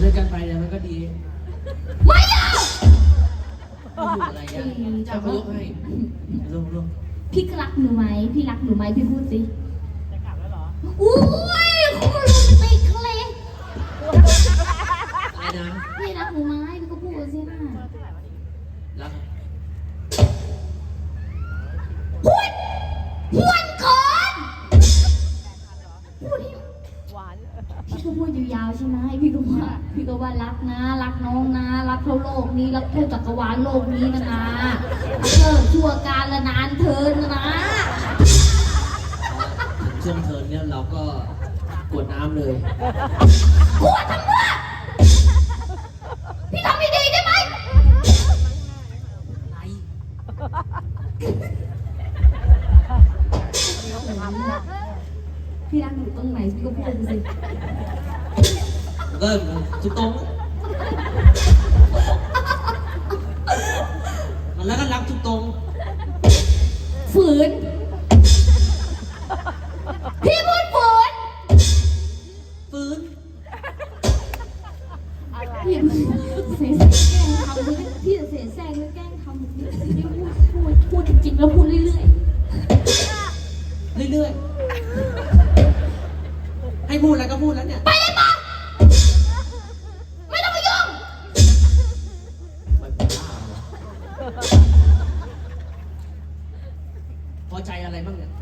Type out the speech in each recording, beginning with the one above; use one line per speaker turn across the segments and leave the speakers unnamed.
ด้วยกันไปเนี่ยมันก็ดี
ไม่เอา
ไม่อยู่อะไรอ่ะจะเขายกให้ลง
พี่รักหนูไหมพี่รักหนูไหมพี่พูดสิจะกลับแล้วเหรออุ้ยคุณโรแมนติกเลย
อะไรนะ
พี่รักหนูไหมพี่ก็พูดสินะ
รัก
พูดก่อนพูดให้หวานพี่ก็พูดยาวๆใช่ไหมพี่ก็ว่ารักนะรักน้องนะรักเท่าโลกนี้รักเท่าจักรวาลโลกนี้นะชั่วการละนานเทินนะ
ช่วงเทิร์นเนี่ยเราก็กวดน้ำเลย
กลัวทำไมพี่ทำไม่ดีได้ไหมพี่รักหนูตรงไหนพี่ก็พูดสิ
ก็ทุกตรงมันแล้วก็รักทุกตรง
ฝืนพี่พูดฝืน
ฟื้น
พี่เสียแกล้งทำพี่เสียแซงแล้วแกล้งทำพี่พูดจริงๆแล้วพูดเรื่อย
เรื่อยๆให้พูดอะไรก็พูดแล้วเนี่ย
ๆไปเลยปะไม่ต้องมายุ่ง
ไม่เป็นบ้าเหรอพอใจอะไรบ้างเนี่ย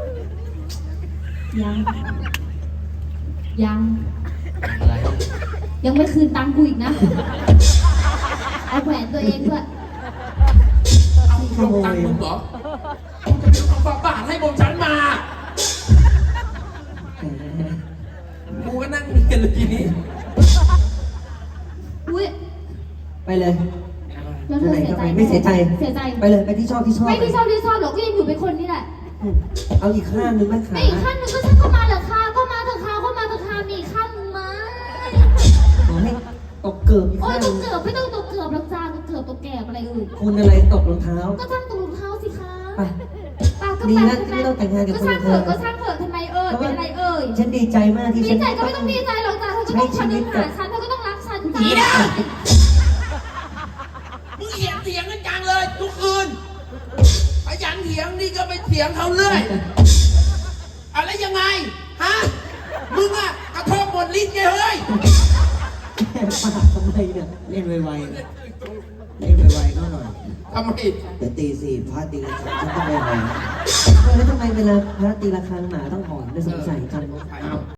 ยัง
อะไร
ยังไม่คืนตังค์กูอีกนะเอาแหวนตัวเองด้วย
เอาลงตังค์มึงเหรอมึงจะไปเอาบาทให้บนฉันมากูก็นั่งเรียนเลยทีนี้
อุ้ย
ไปเลย
แล้วเธอเสียใจ
ไม่เสียใจ
เสียใจ
ไปเลยไปที่ชอบที่ชอบ
ไม่ที่ชอบหรอกก็ยังอยู่เป็นคนนี่แหละ
เอาอีกข้างนึงไหมขา
ไม่อีกขั้นหนึ่งก็ฉันก็มาเหรอคะก็มาเถอะค่ะก็มาเถอะค่ะมีอีกขั้นหนึ่งไหม
ขอให้ตกเกิบอีก
โอ้ย
ข้าง
ต
นึ
ก
ง
เกือบไม่ต้องตกเกือบหรอกจ้าตกเกือบตกแก่อะไรอื่น
คุณอะไรตกรองเท้า
ก็ช่างตกรองเท้าสิคะ
ไป
ป้าก็
ดี
ไป
นะที่ไม่ต้องแต่งงานกับ
ก็
คน
ช่างเถ
เธอ
อะก็ช่างเถอะทำไมเป็นอะไรเอ่ย
ฉันดีใจมากที่
ดี
ฉัน
ใจก็ไม่ต้องดีใจหรอกจ้าเธอก็ต้องคนึงหาฉันเธอก็ต้องรักฉันจ้า
อีน่ะ มึงเถียงกันจังเลยทุกคืนขยันเถียงนี่ก็ไปเถียงเขาเรื่อยอะไรยังไงฮะมึงอะกระทบหมดลิ้นไงเฮ้ย
แค่ปากทำไมเนี่ย
เล่นไวๆเล่นไวๆก็หน่อย
ทำไม
เดี๋ยวตีสี่พระตีกันฉันต้องไปหา
แล้วทำไมเวลาพระตีระฆังหมาต้องหอนไม่สงสัยจัง
อ้าว